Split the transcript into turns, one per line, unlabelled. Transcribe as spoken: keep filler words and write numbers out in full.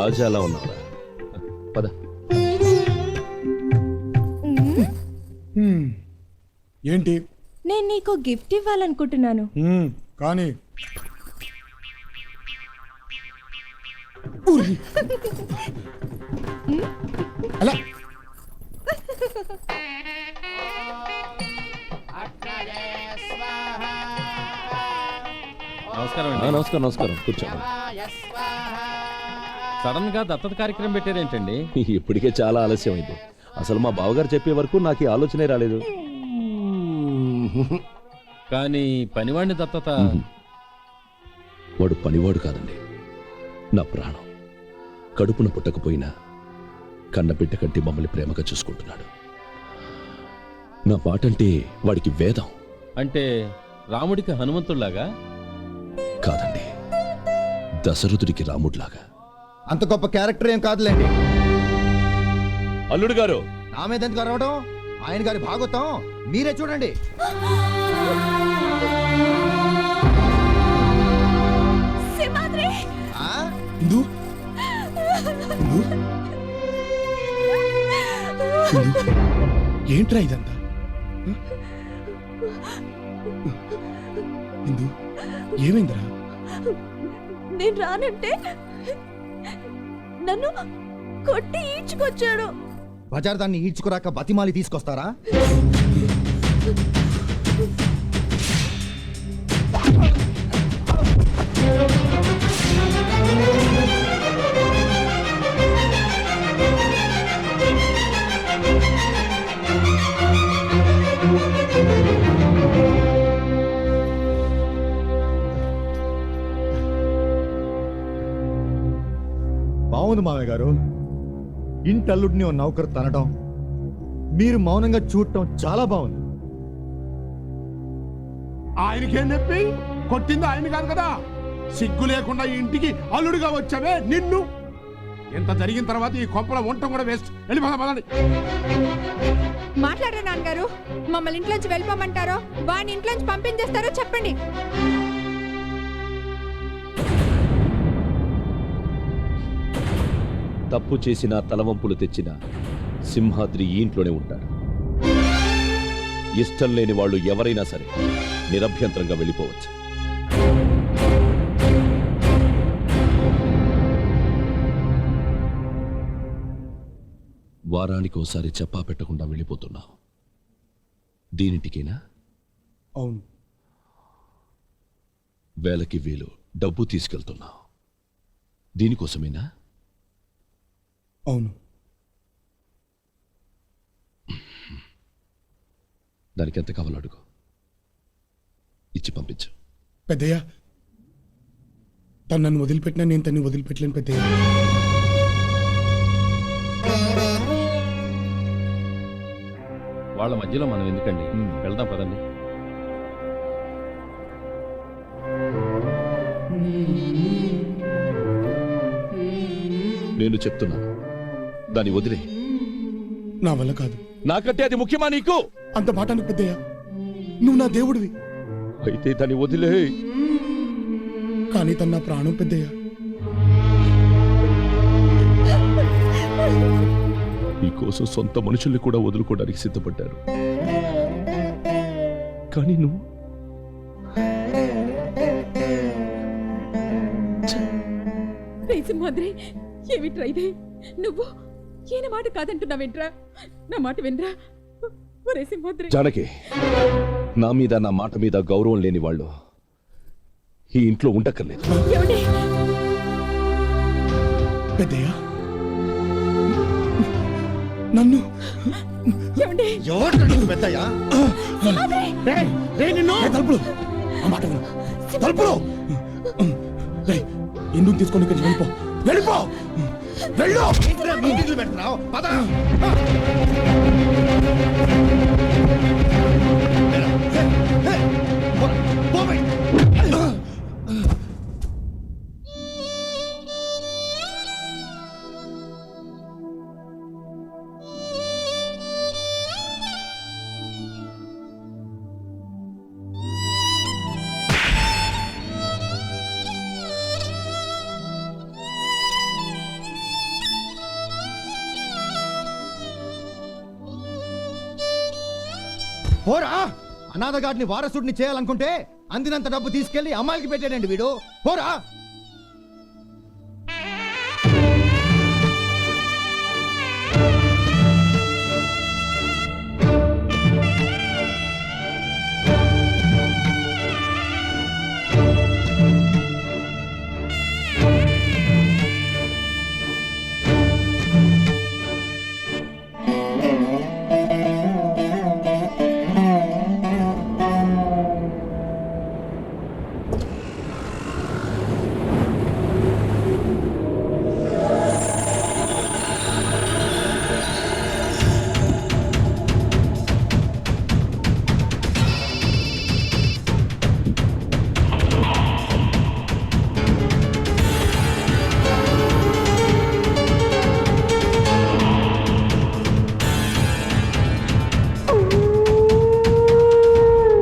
రాజాలా ఉన్నావురా. పద.
ఏంటి?
నేను నీకు గిఫ్ట్ ఇవ్వాలనుకుంటున్నాను.
కానీ అలా
నమస్కారం
ఆ,
అండి.
నమస్కారం నమస్కారం కూర్చో.
సడన్ గా దత్తత కార్యక్రమం పెట్టారేంటండి?
ఇప్పటికే చాలా ఆలస్యం అయింది. అసలు మా బావగారు చెప్పే వరకు నాకు ఈ ఆలోచనే రాలేదు.
కానీ పనివాడిని దత్తత
వాడు పనివాడు కాదండి, నా ప్రాణం. కడుపున పుట్టకపోయినా కన్నబిడ్డ కంటే మమ్మల్ని ప్రేమగా చూసుకుంటున్నాడు. నా పాటంటే వాడికి వేదం.
అంటే రాముడికి హనుమంతుడిలాగా?
కాదండి, దశరథుడికి రాముడిలాగా.
అంత గొప్ప క్యారెక్టర్ ఏం కాదులేండి.
అల్లుడు గారు,
నా మీద ఎందుకు అరవడం? ఆయన గారి భాగవతం మీరే చూడండి. ఆ?
ఇందు ఇందు? ఇందు? ఏంట్రా ఇదంతా? ఇందు ఏమైందిరా?
నేను రానంటే నన్ను కొట్టి ఈడ్చుకొచ్చాడు.
బజార్ దాన్ని ఈడ్చుకురాక బతిమాలి తీసుకొస్తారా? బాగుంది మామయ్య గారు. ఇంటల్లుడిని ఓ నౌకరు తనడం, మీరు మౌనంగా చూడటం చాలా బాగుంది.
ఆయనకేం చెప్పి కొట్టింది ఆయన కాదు కదా. సిగ్గు లేకుండా ఈ ఇంటికి అల్లుడిగా వచ్చావే నిన్ను. ఎంత జరిగిన తర్వాత ఈ కొంపల వంట కూడా వేస్ట్. వెళ్ళిపోదా పదండి.
మాట్లాడరా నాన్నగారు. మమ్మల్ని ఇంట్లోంచి వెళ్ళిపోమంటారో వాడిని ఇంట్లోంచి పంపించేస్తారో చెప్పండి.
తప్పు చేసిన తలవంపులు తెచ్చిన సింహాద్రి ఈ ఇంట్లోనే ఉంటాడు. ఇష్టం లేని వాళ్ళు ఎవరైనా సరే నిరభ్యంతరంగా వెళ్ళిపోవచ్చు. వారానికి ఒకసారి చెప్పా పెట్టకుండా వెళ్ళిపోతున్నావు. దీనింటికేనా?
అవును.
వేలకి వేలు డబ్బు తీసుకెళ్తున్నావు. దీనికోసమేనా?
అవును.
దానికి ఎంత కావాలో అడుగు, ఇచ్చి పంపించు.
పెద్దయ్య, తను నన్ను వదిలిపెట్టినా నేను తన్ని వదిలిపెట్టలేను పెద్దయ్య.
వాళ్ళ మధ్యలో మనం ఎందుకండి, వెళ్దాం పదండి.
నేను చెప్తున్నాను, దాన్ని వదిలే.
నా వల్ల కాదు.
నాకంటే అది ముఖ్యమా నీకు?
అంత మాట అనకు పెద్దయ్య. నువ్వు నా దేవుడివి.
అయితే దాన్ని వదిలే.
కానీ తన నా ప్రాణం పెద్దయ్య.
నీకోసం సొంత మనుషుల్ని కూడా వదులుకోవడానికి సిద్ధపడ్డారు. కానీ నువ్వు
సింహాద్రి, ఏమిట్రా ఇదే? నువ్వు ఈయన మాట కాదంటున్నావేంట్రా? నా మాట వినరా ఒరే సింహాద్రి.
జానకి, నా మీద నా మాట మీద గౌరవం లేని వాళ్ళు ఈ ఇంట్లో ఉండక్కర్లేదు.
ఏమండి?
పెద్దయ్య, నన్ను
ఏమండి?
ఎవరు పెద్దయ్యా?
తలుపులు ఆ మాట విను. తలుపులు ఎందుకు తీసుకొని ఇక్కడికి వెళ్ళిపో. వెళ్ళిపో. వెళ్ళు.
మీటింగ్లు పెడుతున్నావు. పద. పోరా అనాథగాడిని వారసుడిని చేయాలనుకుంటే అందినంత డబ్బు తీసుకెళ్లి అమ్మాయికి పెట్టాడండి వీడు పోరా